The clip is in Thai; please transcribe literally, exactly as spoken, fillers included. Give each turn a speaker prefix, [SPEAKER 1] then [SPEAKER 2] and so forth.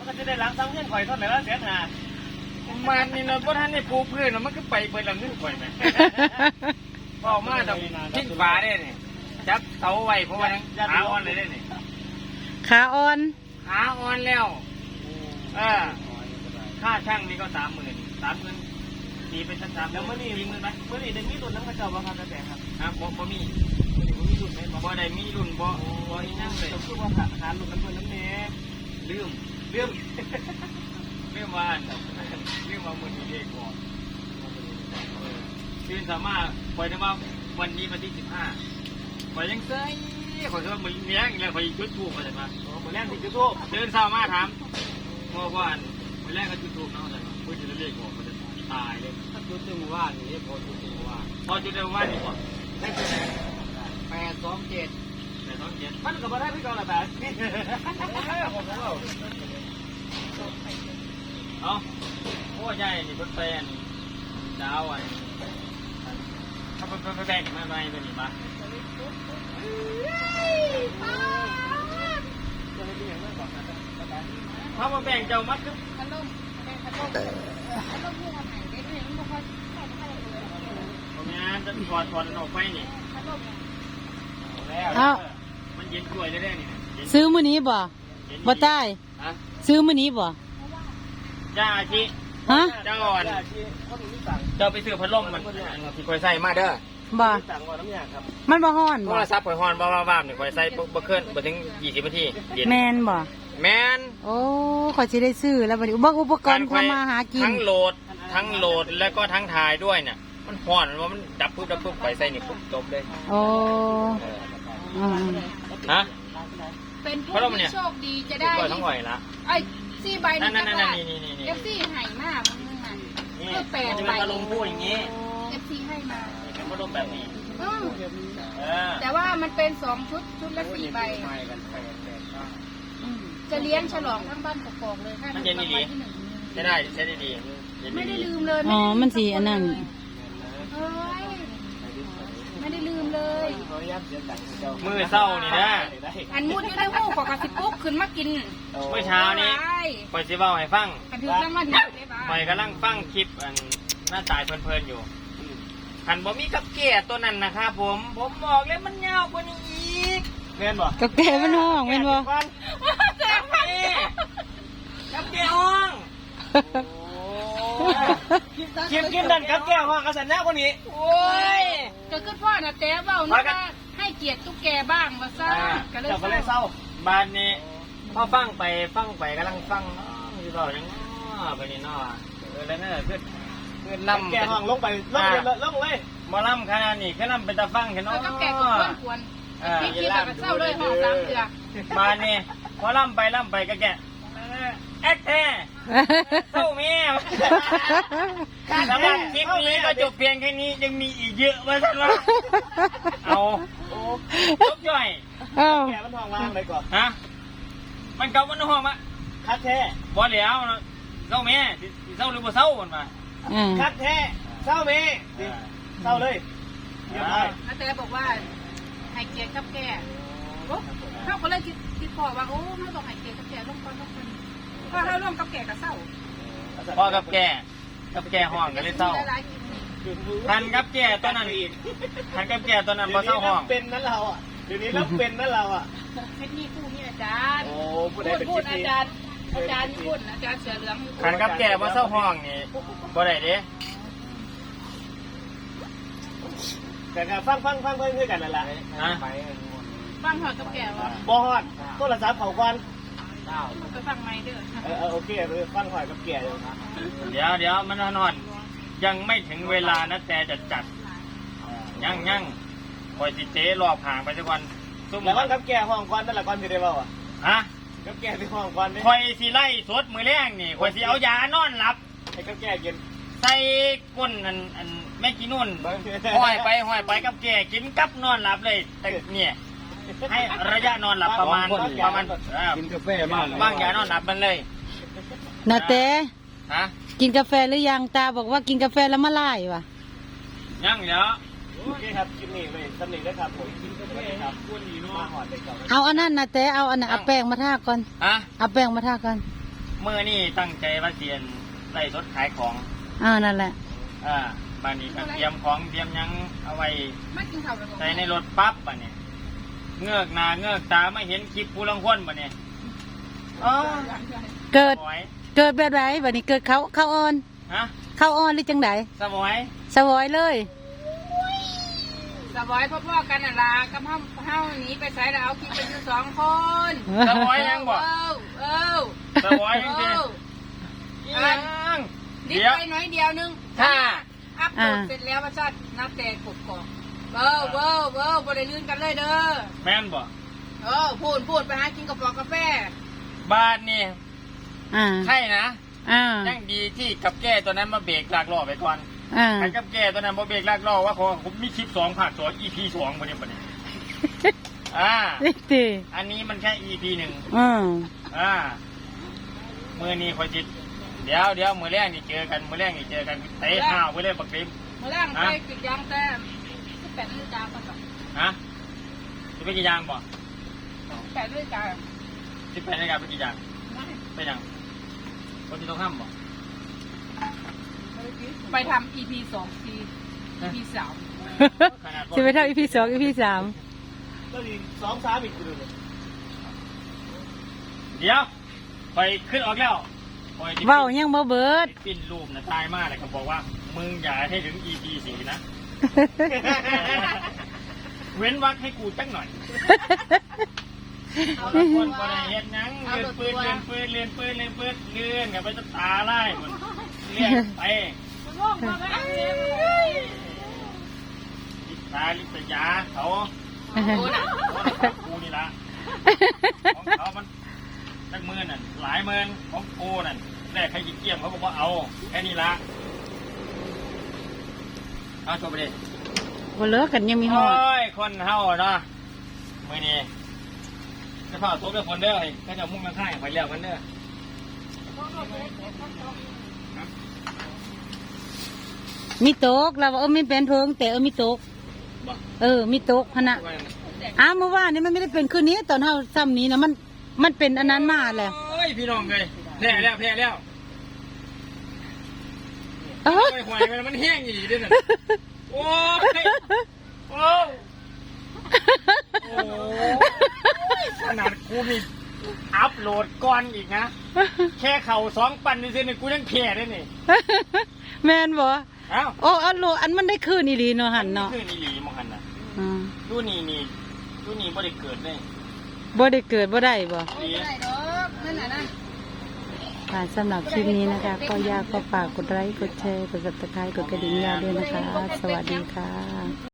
[SPEAKER 1] ก็จะได้ล้างซ้ำเงื่อนข่อยเท่าไหร่ละเสียหามันนี่เราเพราะท่านในปูพื้นมันก็ไปเปิดหลังเงื่อนข่อยไหมพอมาต้องทิ้งฝาได้เนี่ยจับเสาไว้เพราะว่าขาอ่อนเลยได้เนี่ย
[SPEAKER 2] ขาอ่อน
[SPEAKER 1] ขาอ่อนแล้วเออค่าช่างนี่ก็สามหมื่นสามหมื่นตีเป็นชั้นสามแล้วเมื่อนี่มีเงินไหมเมื่อนี่เด็กมีรุ่นน้ำกระเจ้าบ้างครับแต่ครับฮะบ่บ่มีบ่มีรุ่นไหมบ่ได้มีรุ่นบ่บ่อีนั่งเลยต้องพูดว่าหารุ่นน้ำเงินน้ำเนลืมลืมลืมวันลืมว่ามือดีเด็กก่อนคือสามารถปล่อยได้ว่าวันนี้วันที่สิบห้าปล่อยยังไงขอโทษมือเลี้ยงแล้วขอจุดทูบอะไรมามือแรกที่จุดทูบเดินเศร้ามาถามเมื่อวานมือแรกก็จุดทูบน้องอะไรมาเพื่อจะเรียกก่อนมันจะตายเลยถ้าจุดเต็มว่านี่พอจุดเต็มว่าพอจุดเต็มว่านี่ก่อนได้จุดแปดสองเจ็ดแปดสองเจ็ดมันก็มาได้พี่กองละแปดเอาโอ้ใหญ่นี่เพิ่นเป็นดาวอันเขาเป็นเป็นแบ่งมาหน่อยตัวนี้มาเขามาแบ่งเจ้ามัดก็พัดลมพัดลมพัดลมที่ทำไหนได้ด้วยมันค่อยค่อยค่อยตรงนี้จะถอดถอดออกไปนี่พัดลมแล้วมันเย็นกล้วยได้ได้นี่
[SPEAKER 2] ซื้อมื้อนี้บ่บ่ใต้ซื้อมื้อนี้บ่
[SPEAKER 1] จ้าอาชี
[SPEAKER 2] ฮะ
[SPEAKER 1] จ้าอ่อนเจ้าไปซื้อพัดลมมันที่คอยใส่มาเด้อ
[SPEAKER 2] บ่มันบ่ฮ้อนบ่
[SPEAKER 1] โทรศัพท์คอยฮ้อนบ่ว่าๆนี่คอยใส่บ่เกินบ่ถึงยี่สิบนาที
[SPEAKER 2] แม่นบ่
[SPEAKER 1] แม่น
[SPEAKER 2] โอ้ขอยสิได้ซื้อแล้วบัดนี้อุปกรณ์ทำมาหากิน
[SPEAKER 1] ทั้งโหลดทั้งโหลดแล้วก็ทั้งถ่ายด้วยเนี่ยมันฮ้อนว่ามันดับปุ๊บดับปุ๊บคอยใส่นี่ปุ๊บจบเลย
[SPEAKER 2] โอ้อือ
[SPEAKER 1] ฮะ
[SPEAKER 3] เป็นผู้ที่โชคดีจะได้
[SPEAKER 1] ทั้งหน่อยละ
[SPEAKER 3] ไอ้สี่ใบนี่ก็ได้
[SPEAKER 1] เอ
[SPEAKER 3] ฟซีให้มากมึงนั่นคือแปดใบ
[SPEAKER 1] อารมณ์พูดอย่างนี้
[SPEAKER 3] เอฟซีให้มา
[SPEAKER 1] เป็นอารมณ์แบบนี้
[SPEAKER 3] แต่ว่ามันเป็นสองชุดชุดละสี่ใบจะเลี้ยงฉลองทั้งบ้านกอกๆเลยถ้า
[SPEAKER 1] มันเย็นดีใช้ได้ใช้ได้ดี
[SPEAKER 3] ไม่ได้ลืมเลย
[SPEAKER 2] อ๋อมันสีอันนั้น
[SPEAKER 3] ไม่ได้ลืมเลย
[SPEAKER 1] มือเศร้านี่นะ
[SPEAKER 3] อันมุดอยู่ในหูกอกระสิปุ๊บขึ้นมากิน
[SPEAKER 1] เมื่อเช้านี้ปล่อยซีเบาให้ฟังปล่อยกำลังฟังคลิปอันหน้าตายเพลินๆอยู่หันบ่มีกับเกะตัวนั้นนะครับผมผมบอกเลยมันยาวกว่านี้อีกเม่นบ่
[SPEAKER 2] กับเกะมันห้องเม่นบ่
[SPEAKER 3] แซ่บมาก
[SPEAKER 1] กับเกะห้องคลิปคลิปนั่นกับเกะห้องกระสันแน่กว่านี้โอ้ย
[SPEAKER 3] ก็คือพ่อน่ะแต่เบานะให้เกียรติตุ๊กแกบ้างมาซะ
[SPEAKER 1] ก็เลยเศร้าบ้านนี้พอฟังไปฟังไปกำลังฟังอยู่ต่อยังไปนี่เนาะเออแล้วนั่นคือคือลำแกห้องลงไปลงเลยลงเลยมาล่ำขนาดนี้แค่ล่ำเป็นตาฟังแค่น้อย
[SPEAKER 3] ก็แกก็ควรควรพี่คิดแบบเศร้าเลยห้องสามเดือ
[SPEAKER 1] มานี่พอล่ำไปล่ำไปก็แกแอ๊กแท้เศร้าเมียสำหรับคลิปนี้ก็จบเพียงแค่นี้ยังมีอีกเยอะมาสักวันเอาจบย่อยแกมันห้องว่างเลยก่อนฮะมันเก่ามันห้องมะคัดแท้บ่แล้วเศร้าเมียเศร้าหรือบ่เศร้ามันมาคัดแท้เศร้าเมียเศร้าเลยเรียบร้อย
[SPEAKER 3] อาเต้บอกว่าให้เกียรติกับแกโอ้เขาก็เลยคิดพอว่าโอ้ไม่ต้องให้เกียรติกับแกร่วมกันร่วมกันพอถ้าร่วมกับแกก็เศร้า
[SPEAKER 1] พอกับแกกับแกห้องก็เลยเศร้าทันกับแกตอนนั้นอีกทันกับแกตอนนั้นพอเศร้าห้อง
[SPEAKER 4] เป็นนั่นเราอ่ะเดี๋ยวนี้เราเป็นนั่นเราอ่ะ
[SPEAKER 3] เทคนิคคู่นี่อาจารย์โอ้พูดพูดอาจารย์อาจารย์พูดอาจารย์เสือเหลือง
[SPEAKER 1] ทันกับแกพอเศร้าห้องนี่บ่ได้เด้
[SPEAKER 4] แต่การฟังฟังฟังเพื่อนกันนั่นแหละ
[SPEAKER 3] ฟังหอดกับแกวะ
[SPEAKER 4] บ่ฮอดโทรศัพท์เขาควัน
[SPEAKER 3] ไปฟังไม่เด้อ
[SPEAKER 4] เออโอเคไปฟังหอยกับแกอยู่นะ
[SPEAKER 1] เดี๋ยวเดี๋ยวมันนอนยังไม่ถึงเวลานะแต่จะจัดยังยังคอยสิเจ๊รอบห่างไปสักวัน
[SPEAKER 4] แล้วก็กับแกห้องควันนั่นแหละควันที่ได้เปล่าอ่ะ
[SPEAKER 1] ฮะ
[SPEAKER 4] กับแกที่ห้องควันนี่
[SPEAKER 1] คอยสิไล่สดมือแรงนี่คอยสิเอายานอนหลับ
[SPEAKER 4] ให้กับแกกิน
[SPEAKER 1] ใส่ก้นอันอันแม่กินนุ่นห้อยไปห้อยไปกับแกกินกับนอนหลับเลยแต่เนี่ยให้ระยะนอนหลับประมาณประมาณ
[SPEAKER 4] กินกาแฟมาก
[SPEAKER 1] บ้างยานอนหลับมันเลย
[SPEAKER 2] นาเต้
[SPEAKER 1] ฮะ
[SPEAKER 2] กินกาแฟหรือยังตาบอกว่ากินกาแฟแล้วมาไล่วะ
[SPEAKER 1] ยังเดี๋ยว
[SPEAKER 4] โอเคครับกินนี่เลยสำเร็จแล้วครับผมกินกาแฟครับมาหอดเด็กก่อน
[SPEAKER 2] เอาอันนั้นนาเต้เอาอันนั้นเอาแป้งมาทาก่อน
[SPEAKER 1] ฮะ
[SPEAKER 2] เอาแป้งมาทาก่อน
[SPEAKER 1] เมื่อนี่ตั้งใจว่าเรียนไล่สดขายของ
[SPEAKER 2] อ่านั่นแหละ
[SPEAKER 1] อ่าบ้านนี้ก็เตรียมของเตรียมหยังเอาไว้
[SPEAKER 3] ไม่กินข้าวเลย
[SPEAKER 1] ใส่ในรถปั๊บบ้านนี้เงือกหน้าเงือกตาไม่เห็นคลิปผู้ลังคนบ้านนี้อ๋อ
[SPEAKER 2] เกิด
[SPEAKER 1] สวย
[SPEAKER 2] เกิดแบบไหนบัดนี้เกิดเขาเขาอ่อน
[SPEAKER 1] ฮะ
[SPEAKER 2] เขาอ่อนหรือจังได
[SPEAKER 1] สวย
[SPEAKER 2] สวอยเลย
[SPEAKER 3] สบายพ่อๆกันน่ะล่ะกับเฮาเฮาหนีไปใส่แล้วเอาคิดเป็นอยู่สองคน
[SPEAKER 1] สวยยังบ่
[SPEAKER 3] เออเออ
[SPEAKER 1] สวยยัง
[SPEAKER 3] เอ
[SPEAKER 1] สิ
[SPEAKER 3] อ
[SPEAKER 1] ยัง
[SPEAKER 3] นิด
[SPEAKER 1] เดี๋ยว
[SPEAKER 3] ไปหน่อยเดียวนึง
[SPEAKER 1] ถ้า
[SPEAKER 3] อัพโหลดเสร็จแล้วว่าชาตินับแต่กบกอกเบ้อเบ้อเบ้อบ่ได้ลื่นกันเลยเด้อ
[SPEAKER 1] แม่นบ่
[SPEAKER 3] เออพูดพูดไปหากินกระป๋องกาแฟ
[SPEAKER 1] บ้านนี่
[SPEAKER 2] อ่า
[SPEAKER 1] ใช่นะ
[SPEAKER 2] อ่า
[SPEAKER 1] ยังดีที่กับแก้ตัวนั้นมาเบรกลากล้อไปก่อน
[SPEAKER 2] อ่า
[SPEAKER 1] ไอ้กับแก้ตัวนั้นมาเบรกลากล้อว่าขอผมมีคลิปสองภาคสอง อี พี สองบ่เนี่ยบ่เนี่ยอ่า
[SPEAKER 2] นี่ติ
[SPEAKER 1] อันนี้มันแค่ อี พี หนึ่ง
[SPEAKER 2] อืม
[SPEAKER 1] อ่ามือนี้คอยจิตเดี๋ยวเดี๋ยวมือแรกนี่เจอกันมือแรกนี่เจอกันเตะข้าวไปเลยบักเต็ม
[SPEAKER 3] เมื่อแรกไปกินยางแต่สิบแปดนาฬิกาก่อน
[SPEAKER 1] ฮะจะไปกี่ยางบ่
[SPEAKER 3] สิบแปดนาฬิกา
[SPEAKER 1] สิบแปดนาฬิกาไปกี่ยางไปยังคนที่ต้องห้ามบ่
[SPEAKER 3] ไปทำ อี พี สอง ที อี พี สาม
[SPEAKER 1] ขนาด
[SPEAKER 2] จะไปเท่าอีพีสองอีพีสาม
[SPEAKER 4] ก็มีสองสามอีกคนเลย
[SPEAKER 1] เดี๋ยวคอยขึ้นออกแล้วคอยจะ
[SPEAKER 2] เว้ายังบ่เบิด
[SPEAKER 1] ปิ้นรูปนะตายมากเลยเขาบอกว่ามึงอย่าให้ถึง อี พี สี่นะ เว้นวักให้กูจักหน่อย
[SPEAKER 3] เอา
[SPEAKER 1] บางค
[SPEAKER 3] ตัวน
[SPEAKER 1] ก็ได้เห็นหยังเลื่อนปืนเลื่อนปืนเลื่อนปืนเลื่อนปืนเลื่อนกันไปจะตาไล่หมดเลื่อนไป
[SPEAKER 3] มันง่วงมาแล้ว
[SPEAKER 1] ลิตาลิตยาเขา
[SPEAKER 3] โอ้น่ะ
[SPEAKER 1] กูนี่ละของเขามันจักหมื่นน่ะหลายหมื่นของกูนั่นแรกใครหยิบเกี่ยมเขาก็บอกเอาแค่นี้ละเอาจบไปดิ
[SPEAKER 2] บ่เลิกกันยังมีหอด
[SPEAKER 1] โอ้ยคนเฮาเนาะมือนี้จะพาตัวเด้อคนเด้อให้ก็จะมุ่งกันข้างไปเลี้ยวกันเด้อ
[SPEAKER 2] มีโต๊ะเราว่าเออมีเป็นเพิงแต่เออมีโต๊ะ
[SPEAKER 1] บ่
[SPEAKER 2] เออมีโต๊ะพะนะอ้าวเมื่อวานนี้มันไม่ได้เป็นคืนนี้ตอนเฮาซ้ำนี้นะมันมันเป็นอันนั้นมาแหละ
[SPEAKER 1] โอ้ยพี่น้องเลยแพ้แล้วแพ้แล้ว
[SPEAKER 2] เออ
[SPEAKER 1] โอ้ยหวยมันมันแห้งอีกด้วยน่ะโอ้ยโอ้ยโอ้ยขนาดกูมีอัพโหลดก่อนอีกนะ แค่เข่าสองปันนี่สิเนี่ยกูยังแพ้ได้นี่
[SPEAKER 2] แม่นบ่
[SPEAKER 1] เอ้า
[SPEAKER 2] โอ้อันโลอันมันได้คืนอีหลีเนาะหันเนาะ
[SPEAKER 1] คือนี่หลีมองหันน่ะ
[SPEAKER 2] อืม
[SPEAKER 1] ดูนี่นี่ดูนี่บ่ได้เกิดเลย
[SPEAKER 2] บ่ได้เกิดบ่ได้บ่
[SPEAKER 3] โอ้ยไม่ได้ดอกนั่นน่ะนะ
[SPEAKER 2] ค่ะสำหรับคลิปนี้นะคะ ก็อยากก็ฝากกดไลค์กดแชร์กดติดตามกดกระดิ่งยาวด้วยนะคะ สวัสดีค่ะ